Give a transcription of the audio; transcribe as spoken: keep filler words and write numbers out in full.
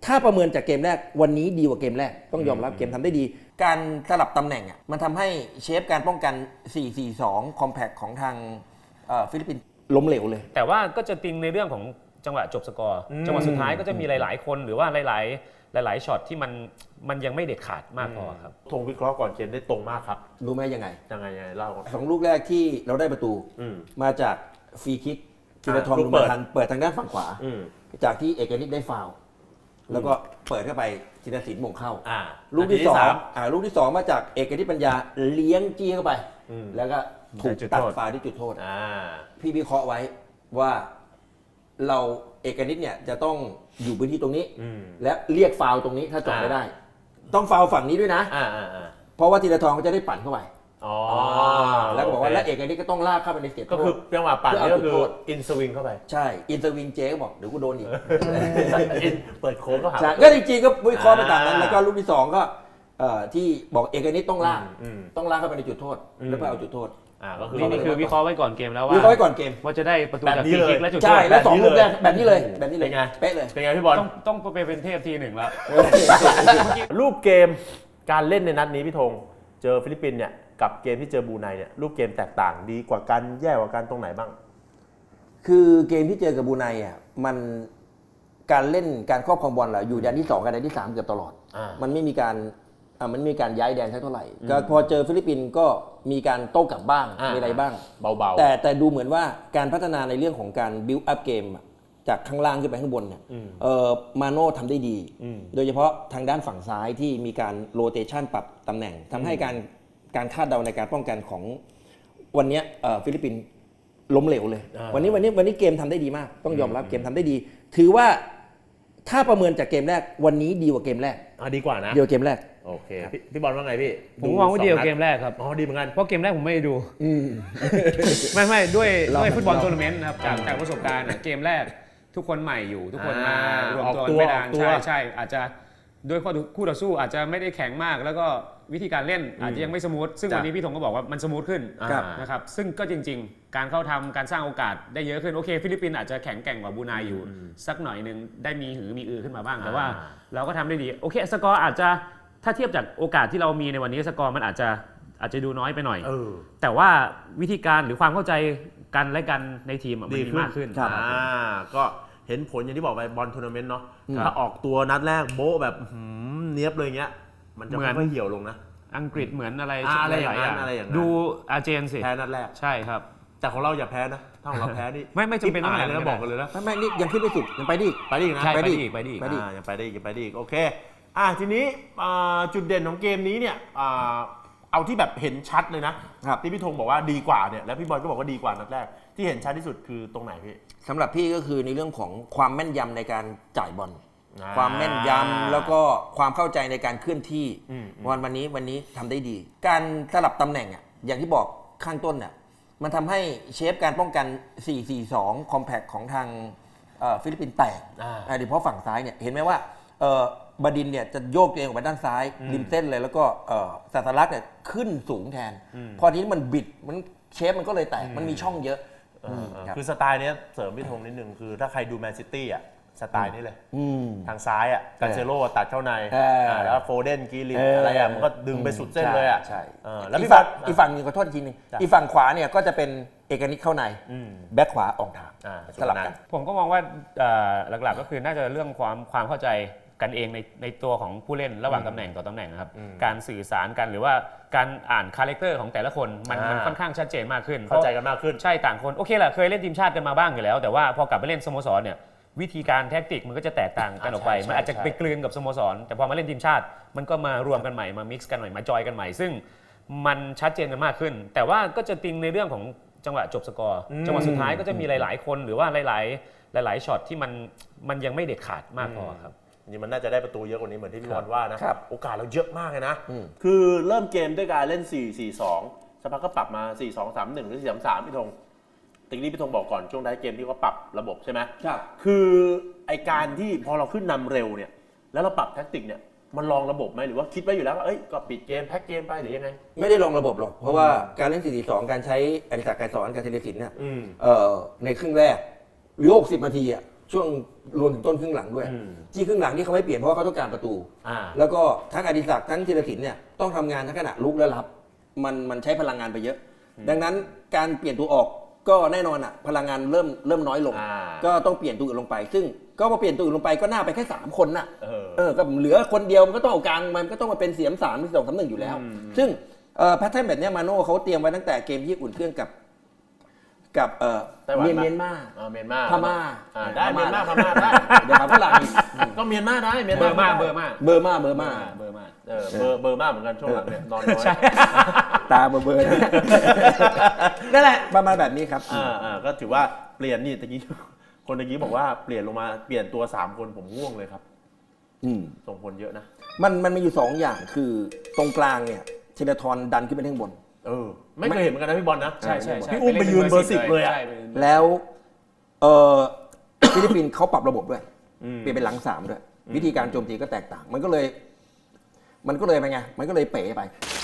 ถ้าประเมินจากเกมแรกวันนี้ดีกว่าเกมแรกต้องยอมรับเกมทำได้ดีการสลับตำแหน่งอ่ะมันทำให้เชฟการป้องกัน สี่ สี่ สอง คอมแพคของทางฟิลิปปินส์ล้มเหลวเลยแต่ว่าก็จะติงในเรื่องของจังหวะจบสกอร์จังหวะสุดท้ายก็จะมีหลายๆคนหรือว่าหลายๆหลายๆช็อตที่มันมันยังไม่เด็ดขาดมากพอครับธงวิเคราะห์ก่อนเกมได้ตรงมากครับรู้ไหมยังไงยังไงยังไงเล่าสองลูกแรกที่เราได้ประตูมาจากฟรีคิกธีรทรบุญมาทันเปิดทางด้านฝั่งขวาจากที่เอกนิตได้ฟาวล์แล้วก็เปิดเข้าไปธีรศิลป์มงเข้าลูกที่สองอ่าลูกที่สองมาจากเอกนิตปัญญาเลี้ยงจี้เข้าไปแล้วก็ถูกตัดฟาวล์ที่จุดโทษพี่วิเคราะห์ไว้ว่าเราเอกนิตเนี่ยจะต้องอยู่พื้นที่ตรงนี้และเรียกฟาวล์ตรงนี้ถ้าจบไม่ได้ต้องฟาวล์ฝั่งนี้ด้วยนะเพราะว่าธีรทรเขาจะได้ปั่นเข้าไปแล้วก็บอกว่าและเอกนิตก็ต้องลากเข้าไปในเขตโทษก็คือจังหวะปั่นนี่ก็คืออินสวิงเข้าไปใช่อินสวิงเจ๊ก็บอกเดี๋ยวกูโดนอีกเปิดโค้งก็หาก็จริงๆก็วิเคราะห์ไปตามนั้นแล้วก็ลูกที่สองก็ที่บอกเอกนิตต้องลากต้องลากเข้าไปในจุดโทษแล้วไปเอาจุดโทษนี่นี่คือวิเคราะห์ไว้ก่อนเกมแล้วว่าวิเคราะห์ไว้ก่อนเกมว่าจะได้ประตูจากฟรีคิกและจุดโทษใช่แล้วสองลูกแรกแบบนี้เลยแบบนี้เลยเป็นไงเป๊ะเลยเป็นไงพี่บอลต้องต้องไปเป็นเทพทีหนึ่งแล้วรูปเกมการเล่นในนัดนี้พี่ธงเจอฟิลิปปินส์เนี่ยกับเกมที่เจอบรูไนเนี่ยรูปเกมแตกต่างดีกว่ากันแย่กว่ากันตรงไหนบ้างคือเกมที่เจอกับบรูไนอ่ะมันการเล่นการครอบครองบอลแหละอยู่แดนที่สองกับแดนที่สามเกือบตลอดมันไม่มีการอ่ามันมีการย้ายแดนสักเท่าไหร่ก็พอเจอฟิลิปปินส์ก็มีการโต้กลับบ้างมีอะไรบ้างเบาๆแต่แต่ดูเหมือนว่าการพัฒนาในเรื่องของการบิวต์อัพเกมจากข้างล่างขึ้นไปข้างบนเนี่ยเออมาโน่ทำได้ดีโดยเฉพาะทางด้านฝั่งซ้ายที่มีการโรเตชันปรับตำแหน่งทำให้การการคาดเดาในการป้องกันของวันนี้ฟิลิปปินส์ล้มเหลวเลยวันนี้วันนี้วันนี้เกมทำได้ดีมากต้องยอมรับเกมทำได้ดีถือว่าถ้าประเมินจากเกมแรกวันนี้ดีกว่าเกมแรกอ่ะดีกว่านะดีกว่าเกมแรกโอเคพี่บอลว่าไงพี่ผมมองว่าดีกว่าเกมแรกครับอ๋อดีเหมือนกันเพราะเกมแรกผมไม่ได้ดูไม่ไม่ด้วยด้วยฟุตบอลทัวร์นาเมนต์นะครับจากจากประสบการณ์เกมแรกทุกคนใหม่อยู่ทุกคนมารวมตัวไม่นานใช่ใช่อาจจะด้วยคู่ต่อสู้อาจจะไม่ได้แข็งมากแล้วก็วิธีการเล่นอาจจะยังไม่สมูทซึ่งวันนี้พี่ธงก็บอกว่ามันสมูทขึ้นนะครับซึ่งก็จริงๆการเข้าทำการสร้างโอกาสได้เยอะขึ้นโอเคฟิลิปปินส์อาจจะแข็งแกร่งกว่าบรูไนอยู่สักหน่อยนึงได้มีหือมีอือขึ้นมาบ้างแต่ว่าเราก็ทำได้ดีโอเคสกอร์อาจจะถ้าเทียบจากโอกาสที่เรามีในวันนี้สกอร์มันอาจจะอาจจะดูน้อยไปหน่อยแต่ว่าวิธีการหรือความเข้าใจกันและกันในทีมมันดีมากขึ้นก็เห็นผลอย่างที่บอกไปบอลทัวร์นาเมนต์เนาะถ้าออกตัวนัดแรกโบ๊ะแบบเนี้ยบเลยเงี้ยมันจะไม่ค่อยเหี่ยวลงนะอังกฤษเหมือนอะไรอะไรอย่างนั้นอะไรอย่างนั้นดูอาร์เจนสิแพ้นัดแรกใช่ครับแต่ของเราอย่าแพ้นะถ้าของเราแพ้นี่ไม่ไม่จำเป็นต้องแพ้เลยนะบอกกันเลยนะไม่ไม่นี่ยังขึ้นไม่สุดยังไปดิไปดินะไปดิไปดิไปดิยังไปดิยังไปดิโอเคอ่ะทีนี้จุดเด่นของเกมนี้เนี่ยเอาที่แบบเห็นชัดเลยนะที่พี่ธงบอกว่าดีกว่าเนี่ยแล้วพี่บอลก็บอกว่าดีกว่านัดแรกที่เห็นชัดที่สุดคือตรงไหนพี่สำหรับพี่ก็คือในเรื่องของความแม่นยำในการจ่ายบอลความแม่นยำแล้วก็ความเข้าใจในการเคลื่อนที่วันวันนี้วันนี้ทำได้ดีการสลับตำแหน่งอ่ะอย่างที่บอกข้างต้นอ่ะมันทำให้เชฟการป้องกัน สี่ สี่ สอง คอมแพคของทางฟิลิปปินส์แตกโดยเฉพาะฝั่งซ้ายเนี่ยเห็นไหมว่าบดินเนี่ยจะโยกตัวเองออกไปด้านซ้ายริมเส้นเลยแล้วก็ศาสลักษณ์เนี่ยขึ้นสูงแทนพอทีนี้มันบิดมันเชฟมันก็เลยแตกมันมีช่องเยอะคือสไตล์นี้เสริมพี่ธงนิดนึงคือถ้าใครดูแมนซิตี้อ่ะสไตล์นี้เลยทางซ้ายอ่ะกาเซโร่ตัดเข้าในแล้วโฟเดนกีรินอะไรอ่ะมันก็ดึงไปสุดเส้นเลยอ่ะแล้วพี่ฝั่งอีกฝั่งนึงขอโทษทีนึงอีกฝั่งขวาเนี่ยก็จะเป็นเอกนิตเข้าในแบ็คขวาออกทางสลับกันผมก็มองว่าหลักๆก็คือน่าจะเรื่องความความเข้าใจกันเองในในตัวของผู้เล่นระหว่างตำแหน่งต่อตำแหน่งนะครับการสื่อสารกันหรือว่าการอ่านคาแรคเตอร์ของแต่ละคนมันมันค่อนข้างชัดเจนมากขึ้นเข้าใจกันมากขึ้นใช่ต่างคนโอเคแหละเคยเล่นทีมชาติกันมาบ้างอยู่แล้วแต่ว่าพอกลับไปเล่นสโมสรเนี่ยวิธีการแทคติกมันก็จะแตกต่างกันออกไปมันอาจจะไปกลืนกับสโมสรแต่พอมาเล่นทีมชาติมันก็มารวมกันใหม่มามิกซ์กันใหม่มาจอยกันใหม่ซึ่งมันชัดเจนกันมากขึ้นแต่ว่าก็จะติงในเรื่องของจังหวะจบสกอร์จังหวะสุดท้ายก็จะมีหลายๆคนหรือว่าหลายๆหลายๆช็อตที่มันมันยังไม่เด็ดขาดมากพอครับนี่มันน่าจะได้ประตูเยอะกว่านี้เหมือนที่พี่บอลว่านะโอกาสเราเยอะมากเลยนะคือเริ่มเกมด้วยการเล่น สี่ สี่ สองสักพักก็ปรับมา สี่ สอง สาม หนึ่ง หรือ สี่ สาม สาม พี่ธงตะกี้พี่ธงบอกก่อนช่วงท้ายเกมที่เขาปรับระบบใช่ไหมครับคือไอการที่พอเราขึ้นนำเร็วเนี่ยแล้วเราปรับแทคติกเนี่ยมันลองระบบไหมหรือว่าคิดไว้อยู่แล้วว่าเอ้ยก็ปิดเกมแพ็คเกมไปหรือยังไงไม่ได้ลองระบบหรอกเพราะว่าการเล่น สี่ สี่ สอง การใช้อดิศักดิ์ ไกรสอนกับธีรศิลป์เนี่ยในครึ่งแรกหรือหกสิบนาทีอ่ะช่วงรวมถึงต้นครึ่งหลังด้วย ที่ครึ่งหลังที่เขาไม่เปลี่ยนเพราะว่าเขาต้องการประตูอ่าแล้วก็ทั้งอดิศักดิ์ทั้งธีรศิลป์เนี่ยต้องทำงานทั้งขณะลุกและรับมันมันใช้พลังงานไปเยอะ ดังนั้นการเปลี่ยนตัวออกก็แน่นอนอ่ะพลังงานเริ่มเริ่มน้อยลงอ่าก็ต้องเปลี่ยนตัวอื่นลงไป ซึ่งก็พอเปลี่ยนตัวอื่นลงไปก็น่าไปแค่สามคนน่ะเออเออก็เหลือคนเดียวมันก็ต้องเอากลางมันก็ต้องมาเป็นเสียมสามที่สองสามหนึ่งอยู่แล้ว ซึ่งแพทเทิร์นแบบเนี้ยมาโน่เขาเตรียมไว้ตั้งแต่เกมที่อุ่นเครื่องกับกับเอ่อไต้หวันเมียนปะเมียนมาอ่าเมียนมาพม่าอ่าได้เมียนมาพม่าได้เดี๋ยวหาฝรั่งอีกก็เมียนมาได้เมียนเบอมาร์มากเบอร์มากเบอร์มาเบอร์มาเบอร์มากเออเบอร์เบอร์มากเหมือนกันช่วงหลังเนี่ยนอนน้อยตาเบอร์เบอร์นะนั่นแหละประมาณแบบนี้ครับอ่าอ่าก็ถือว่าเปลี่ยนนี่ตะกี้คนตะกี้บอกว่าเปลี่ยนลงมาเปลี่ยนตัวสามคนผมง่วงเลยครับอืมส่งผลเยอะนะมันมันมีอยู่สองอย่างคือตรงกลางเนี่ยธีรทรดันขึ้นไปข้างบนเออ ไม่เคยเห็นเหมือนกันนะพี่บอลนะใช่ใช่ใช่พี่อุ้มไปยืนเบอร์สิบเลยอะใช่ไปยืนเบอร์สิบแล้วเออ ฟิลิปปินส์เขาปรับระบบด้วยเปลี่ยนเป็นหลังสามด้วย วิธีการโจมตีก็แตกต่าง มันก็เลย มันก็เลยไปไง มันก็เลยเป๋ไป